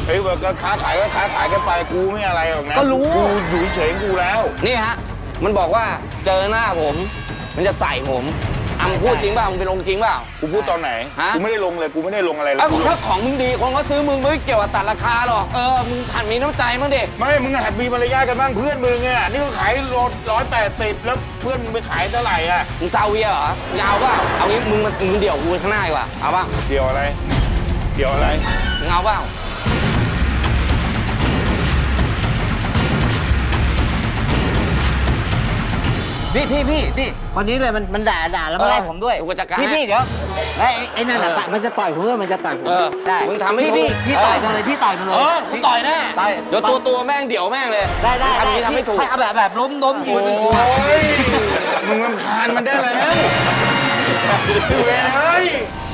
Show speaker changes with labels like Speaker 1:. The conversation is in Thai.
Speaker 1: เฮ้ยก็ค้าขายก็ค้าขายกันไปกูไม่อะไรหรอกนะ
Speaker 2: ก็รู้
Speaker 1: กูอยู่เฉยๆกูแล้ว
Speaker 2: นี่ฮะมันบอกว่าเจอหน้าผม มันจะใส่ผมมึงพูดจริงเปล่ามึงเป็นองค์จริงเปล่า
Speaker 1: กูพูดตอนไหน
Speaker 2: ฮะ
Speaker 1: กูไม่ได้ลงเลยกูไม่ได้ลงอะไรเลย
Speaker 2: เอ้า
Speaker 1: กู
Speaker 2: ถ้าของมึงดีคนก็ซื้อมึงไม่เกี่ยวกับตัดราคาหรอกมึงหัดมีน้ำใจมั้งดิ
Speaker 1: ไม่มึงหัดมีมารยาทกันบ้างเพื่อนมึงเนี่ยนี่ก็ขายรถ180แล้วเพื่อนมึงไปขายเท่าไหร่อ่ะ
Speaker 2: มึงซาเวียเหรอยาวเปล่าเอางี้มึงเดี่ยวกูข้างหน้าดีกว่าเอาเปล่า
Speaker 1: เดี๋ยวอะไรเดี๋ยวอะไร
Speaker 2: มึงเอาเปล่า
Speaker 3: พี่คนนี้เลยมันด่าแล้วมาไล่ผมด้วย
Speaker 2: กูจัดการ
Speaker 3: พี่เดี๋ยวไอ้นั่นน่ะมันจะต่อยผมด้วยมันจะต่อยผมได้
Speaker 2: มึงทำให้
Speaker 3: พี่ต่อยมาเลยพี่ต่อยมาเลย
Speaker 2: กูต่อยแน่
Speaker 3: ต่อย
Speaker 2: เดี๋ยวตัวแม่งเดี่ยวแม่งเลย
Speaker 3: ได้
Speaker 2: ทำนี้ทำให้ถูก
Speaker 3: เอาแบบล้มยืน
Speaker 1: โอ้ยมึงรำคาญมันได้แล้วเว้ย